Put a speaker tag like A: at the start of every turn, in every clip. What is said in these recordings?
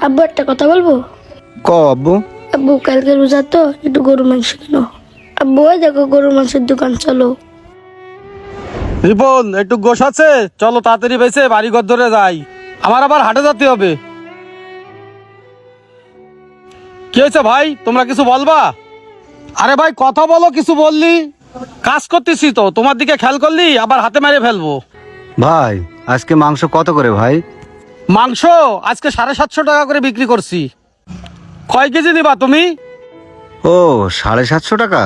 A: আব্বু একটা কথা বলবো?
B: ক আব্বু।
A: আব্বু কালকে রোজা তো, একটু গরু মাংস কিনো। আব্বু ওই দেখো গরু মাংসের দোকান, চলো।
C: রিপন একটু গোশ আছে, চলো তাড়াতাড়ি বেঁচে বাড়ি ঘর ধরে যাই, আমার আবার হাটে যেতে হবে। কি হয়েছে ভাই, তোমরা কিছু বলবা? আরে ভাই কথা বলো, কিছু বললি? কাজ করতেছি তো, তোমার দিকে খেয়াল করলি আবার হাতে মেরে ফেলবো।
B: ভাই আজকে মাংস কত করে ভাই?
C: মাংস আজকে 750 টাকা করে বিক্রি করছি। কয় কেজি নিবা তুমি?
B: ও 750 টাকা।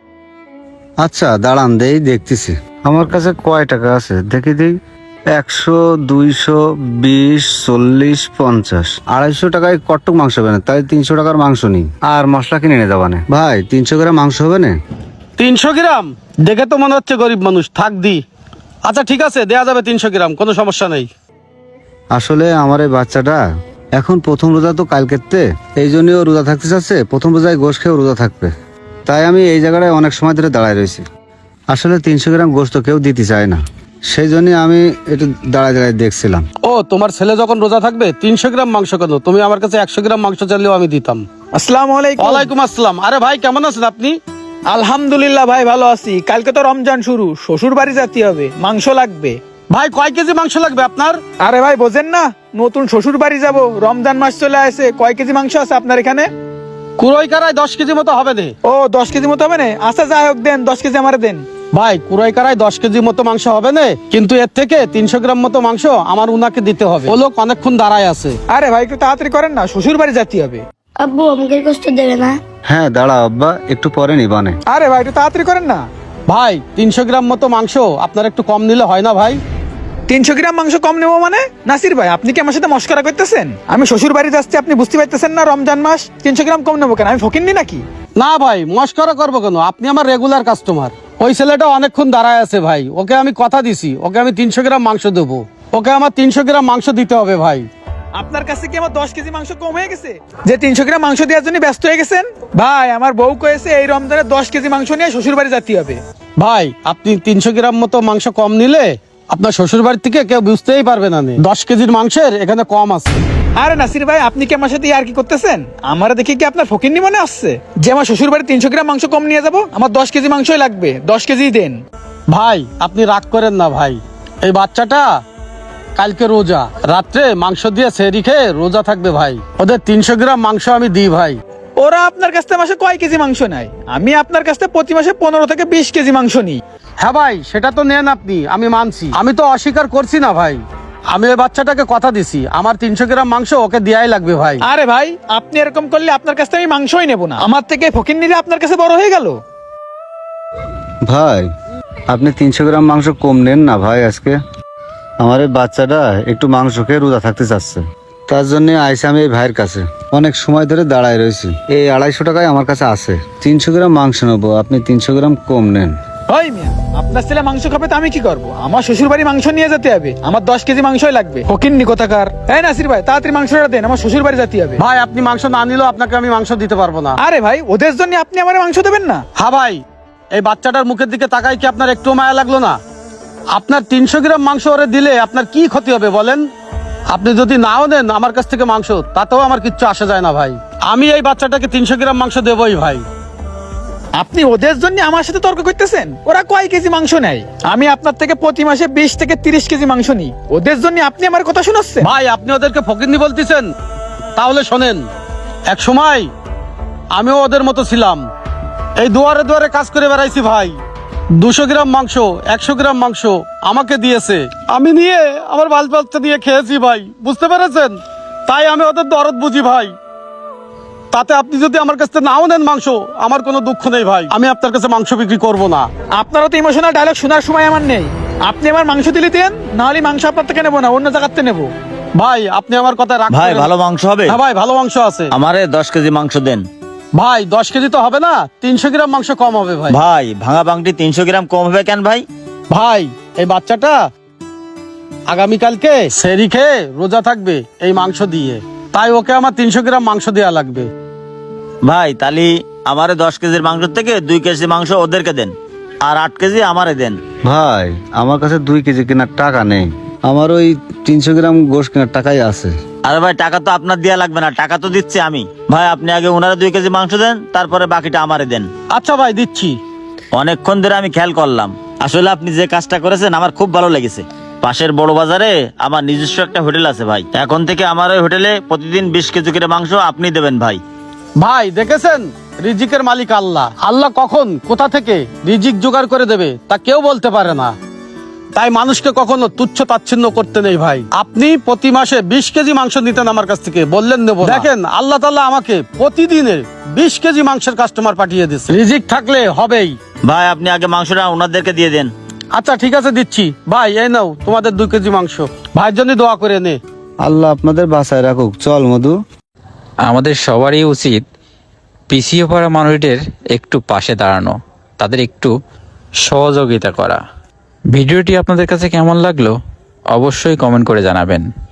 B: আচ্ছা দাঁড়ান দেই, দেখতেছি আমার কাছে কয় টাকা আছে দেখি দিই। 100, 200, 20, 40, 50, 250 টাকায় কট্টুক মাংস হবে না, তাই 300 টাকার মাংস নিই আর মশলা কিনে নিয়ে যাবানে। ভাই 300 গ্রাম মাংস হবে না?
C: 300 গ্রাম দেখে তো মনে হচ্ছে গরিব মানুষ, থাক দি। আচ্ছা ঠিক আছে, দেয়া যাবে 300 গ্রাম, কোনো সমস্যা নেই।
B: আসলে আমার এই বাচ্চাটা এখন প্রথম রোজা তো কালকেতে, এই জন্যই ও রোজা থাকতে চাচ্ছে। প্রথম রোজায় গোশ খেয়ে রোজা থাকবে, তাই আমি এই জায়গাটায় অনেক সময় ধরে দাঁড়ায় রয়েছি। আসলে 300 গ্রাম গোশত কেউ দিতে চায় না, সেই জন্য আমি একটু দাঁড়ায় দাঁড়ায় দেখছিলাম।
C: ও তোমার ছেলে যখন রোজা থাকবে 300 গ্রাম মাংস কেন? তুমি আমার কাছে 100 গ্রাম মাংস চাইলেও আমি দিতাম।
D: আসসালামু আলাইকুম।
C: ওয়ালাইকুম আসসালাম। আরে ভাই কেমন আছেন আপনি?
D: আলহামদুলিল্লাহ ভাই ভালো আছি। কালকে তো রমজান শুরু, শ্বশুর বাড়ি যেতে হবে, মাংস লাগবে।
C: ভাই কয় কেজি মাংস লাগবে আপনার?
D: আরে ভাই বোঝেন না, নতুন শ্বশুর বাড়ি যাব, রমজান মাস চলে আসে। কয় কেজি মাংস আছে আপনার এখানে?
C: কুড়াই কারায় 10 কেজি মতো হবে না।
D: ও 10 কেজি মতো হবে না? আচ্ছা যাই হোক, দেন 10 কেজি আমারে দেন।
C: ভাই কুড়াই কারায় 10 কেজি মতো মাংস হবে না, কিন্তু এর থেকে 300 গ্রাম মতো মাংস আমার উনাকে দিতে হবে। ও লোক অনেকক্ষণ দাঁড়ায় আছে।
D: আরে ভাই একটু তাড়াতাড়ি করেন না, শ্বশুর বাড়ি যেতে হবে।
A: আব্বু আমাকে কষ্ট দেবে না?
B: হ্যাঁ দাঁড়া আব্বা, একটু পরে নিবানে।
D: আরে ভাই একটু তাড়াতাড়ি করেন না।
C: ভাই 300 গ্রাম মতো মাংস আপনার একটু কম নিলে হয় না ভাই?
D: 300 গ্রাম মাংস কম নেবো মানে? নাসির ভাই আপনি কি আমার সাথে মস্করা করতেছেন? আমি শ্বশুর বাড়ি যাচ্ছি, আপনি বুঝতে পারতেছেন না রমজান মাস? 300 গ্রাম কম নেবো কেন? আমি ফকিন্নি নাকি?
C: না ভাই মস্করা করবো কেন, আপনি আমার রেগুলার কাস্টমার। ওই ছেলেটা অনেকক্ষণ দাঁড়ায় আছে ভাই, ওকে আমি কথা দিছি, ওকে আমি 300 গ্রাম মাংস দেবো। ওকে আমার 300 গ্রাম মাংস দিতে হবে ভাই।
D: আপনার কাছে কি আমার 10 কেজি মাংস কম হয়ে গেছে যে 300 গ্রাম মাংস দেওয়ার জন্য ব্যস্ত হয়ে গেছেন? ভাই আমার বউ কয়েছে এই রমজানে 10 কেজি মাংস নিয়ে শ্বশুর বাড়ি যেতে হবে।
C: ভাই আপনি 300 গ্রাম মতো মাংস কম নিলে আপনার শ্বশুর বাড়ি থেকে কেউ বুঝতেই পারবে না। 10 কেজির মাংসের এখানে কম আছে।
D: আরে নাসির ভাই আপনি কি আমার সাথে আর কি করতেছেন? আমার দেখি কি আপনার ফকিন্নি মনে আসছে যে আমার শ্বশুর বাড়ি 300 গ্রাম মাংস কম নিয়ে যাব? আমার 10 কেজি মাংসই লাগবে, 10 কেজি দেন।
C: ভাই আপনি রাগ করেন না ভাই, এই বাচ্চাটা কালকে রোজা, রাত্রে মাংস দিয়ে সেহরি খেয়ে রোজা থাকবে ভাই, ওদের 300 গ্রাম মাংস আমি দিই ভাই।
D: ওরা আপনার কাছ থেকে মাসে কয় কেজি মাংস নেয়? আমি আপনার কাছ থেকে প্রতি মাসে 15 থেকে 20 কেজি মাংস নিই।
C: হ্যাঁ ভাই সেটা তো নেন আপনি, আমি মানছি, আমি তো অস্বীকার করছি না ভাই। আমি ওই বাচ্চাটাকে কথা দিছি আমার 300 গ্রাম মাংস ওকে দেয়াই লাগবে ভাই।
D: আরে ভাই আপনি এরকম করলে আপনার কাছ থেকে আমি মাংসই নেব না। আমার থেকে ফকিন্নিরা আপনার কাছে বড় হয়ে গেল।
B: ভাই আপনি 300 গ্রাম মাংস কম নেন না ভাই। আজকে আমার এই বাচ্চাটা একটু মাংস খেয়ে রোজা থাকতে চাচ্ছে, তার জন্য আইসি আমি এই ভাইয়ের কাছে। অনেক সময় ধরে দাঁড়ায় রয়েছি, এই 250 টাকায় আমার কাছে আছে। 300 গ্রাম মাংস নেবো, আপনি 300 গ্রাম কম নেন।
D: ওই মিয়া আপনার ছেলে মাংস খাবে তো আমি কি করব? আমার শ্বশুর বাড়ি মাংস নিয়ে যেতে হবে, আমার 10 কেজি মাংসই লাগবে। ফকিন্নি কোথাকার। এই নাসির ভাই তাড়াতাড়ি মাংসটা দেন, আমার শ্বশুর বাড়ি যেতে হবে।
C: ভাই আপনি মাংস না নিলেও আপনাকে আমি মাংস দিতে পারবো না।
D: আরে ভাই ওদের জন্য আপনি আমার মাংস দেবেন না?
C: হ্যাঁ ভাই, এই বাচ্চাটার মুখের দিকে তাকাই কি আপনার একটু মায়া লাগলো না? আপনার 300 গ্রাম মাংস ওরে দিলে আপনার কি ক্ষতি হবে বলেন? আপনি যদি নাও দেন আমার কাছ থেকে মাংস, তাতেও আমার কিচ্ছু আসে যায় না ভাই। আমি এই বাচ্চাটাকে 300 গ্রাম মাংস দেবই ভাই।
D: আপনি ওদের জন্য আমার সাথে তর্ক করতেছেন? ওরা কয় কেজি মাংস নেয়? আমি আপনার থেকে প্রতি মাসে 20 থেকে 30 কেজি মাংস নিই, ওদের জন্য আপনি আমার কথা শোনাচ্ছেন?
C: ভাই আপনি ওদেরকে ফকিন্নি বলতেছেন? তাহলে শোনেন, এক সময় আমিও ওদের মতো ছিলাম, এই দুয়ারে দুয়ারে কাজ করে বেড়াইছি ভাই। 200 গ্রাম মাংস, 100 গ্রাম মাংস আমাকে দিয়েছে, আমি নিয়ে আমার বাল বাচ্চা দিয়ে খেয়েছি ভাই, বুঝতে পেরেছেন? তাই আমি ওদের দরদ বুঝি ভাই। তাতে আপনি যদি আমার কাছ থেকে নাও নেন মাংস, আমার কোনো দুঃখ নেই ভাই, আমি আপনার কাছে মাংস বিক্রি করব না।
D: আপনারও তো ইমোশনাল ডায়লগ শোনার সময় আমার নেই। আপনি আমার মাংস দিলে দেন, নাহলে মাংস আপনার থেকে নেবো না, অন্য জায়গাতে নেবো।
C: ভাই আপনি আমার কথা রাখবেন?
E: ভাই ভালো মাংস হবে?
C: হ্যাঁ ভাই ভালো মাংস আছে।
E: আমারে 10 কেজি মাংস দেন।
C: ভাই 10 কেজি তো হবে না, 300 গ্রাম মাংস কম হবে ভাই।
E: ভাই ভাঙা বাংটি 300 গ্রাম কম হবে কেন ভাই?
C: ভাই এই বাচ্চাটা আগামীকালকে সেহরি খেয়ে রোজা থাকবে এই মাংস দিয়ে, তাই ওকে আমার 300 গ্রাম মাংস দেওয়া লাগবে।
E: ভাই তাহলে আমারে 10 কেজির মাংস থেকে 2 কেজি মাংস ওদেরকে দেন, আর 8 কেজি আমারে দেন।
B: ভাই আমার কাছে 2 কেজি কেনার টাকা নেই, আমার ওই 300 গ্রাম গোশ কেনার টাকাই আছে।
E: আরে ভাই টাকা তো আপনার দেয়া লাগবে না, টাকা তো দিচ্ছি আমি। ভাই আপনি আগে ওনারা 2 কেজি মাংস দেন, তারপরে বাকিটা আমারে দেন।
C: আচ্ছা ভাই, দিচ্ছি।
E: অনেকক্ষণ ধরে আমি খেয়াল করলাম, আসলে আপনি যে কাজটা করেছেন আমার খুব ভালো লেগেছে। পাশের বড় বাজারে আমার নিজস্ব একটা হোটেল আছে ভাই, এখন থেকে আমার ওই হোটেলে প্রতিদিন 20 কেজি করে মাংস আপনি দেবেন ভাই।
C: ভাই দেখেছেন, রিজিকের মালিক আল্লাহ। আল্লাহ কখন কোথা থেকে রিজিক জোগাড় করে দেবে তা কেউ বলতে পারে না। তাই মানুষকে কখনো তুচ্ছ তাচ্ছিন্ন করতে নেই ভাই। আপনি প্রতি মাসে 20 কেজি মাংস নিতেন আমার কাছ থেকে, বললেন নেব না। দেখেন আল্লাহ তাআলা আমাকে প্রতিদিনে 20 কেজি মাংসের কাস্টমার পাঠিয়ে দিচ্ছে। রিজিক থাকলে হবেই।
E: ভাই আপনি আগে মাংসটা ওনাদেরকে দিয়ে দেন।
C: আচ্ছা ঠিক আছে, দিচ্ছি। ভাই এই নাও তোমাদের 2 কেজি মাংস, ভাইয়ের জন্য দোয়া করে নে।
B: আল্লাহ আপনাদের বাঁচায় রাখুক। চল মধু।
F: আমাদের সবারই উচিত পিছিয়ে পড়া মানুষদের একটু পাশে দাঁড়ানো, তাদের একটু সহযোগিতা করা। ভিডিওটি আপনাদের কাছে কেমন লাগলো অবশ্যই কমেন্ট করে জানাবেন।